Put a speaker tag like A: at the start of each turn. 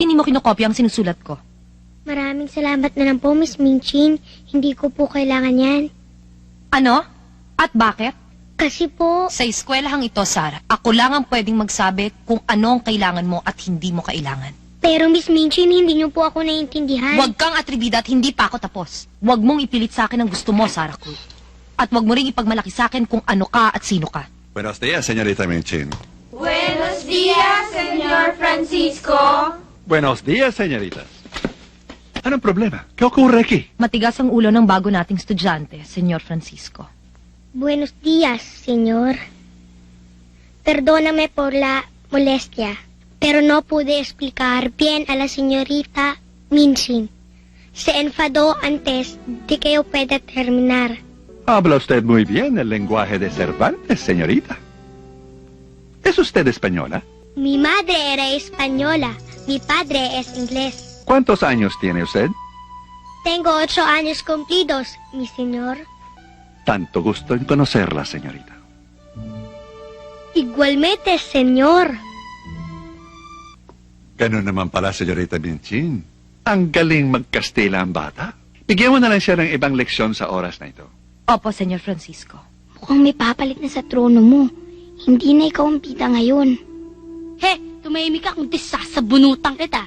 A: Hindi mo kinokopya ang sinusulat ko.
B: Maraming salamat na lang po, Miss Minchin. Hindi ko po kailangan yan.
A: Ano? At bakit?
B: Kasi po,
A: Sa eskwelahang ito, Sarah, ako lang ang pwedeng magsabi kung ano ang kailangan mo at hindi mo kailangan.
B: pero Miss Minchin, hindi niyo po ako naiintindihan.
A: Huwag kang atribida at hindi pa ako tapos. Huwag mong ipilit sa akin ang gusto mo, Sarah Cruz. At huwag mo ring ipagmalaki sa akin kung ano ka at sino ka.
C: Buenos días, señorita Minchin.
D: Buenos días, Señor Francisco.
C: Buenos días, señoritas. Anong problema? ¿Qué ocurre aquí?
A: Matigas ang ulo ng bago nating estudyante, Senyor Francisco.
B: Buenos días, señor. Perdóname por la molestia, pero no pude explicar bien a la señorita Minchin. Se enfadó antes de que yo pueda terminar.
C: Habla usted muy bien el lenguaje de Cervantes, señorita. ¿Es usted española?
B: Mi madre era española, mi padre es inglés.
C: ¿Cuántos años tiene usted?
B: Tengo 8 años cumplidos, mi señor.
C: Tanto gusto en conocerla, señorita.
B: Igualmente, señor.
C: Ganun naman pala, señorita Minchin. Ang galing magkastila ang bata. Bigyan mo na lang siya ng ibang leksyon sa oras na ito.
A: Opo, Senyor Francisco.
B: Mukhang may papalit na sa trono mo. Hindi na ikaw ang pita ngayon.
E: He, tumahimik ka kung sasabunutan kita.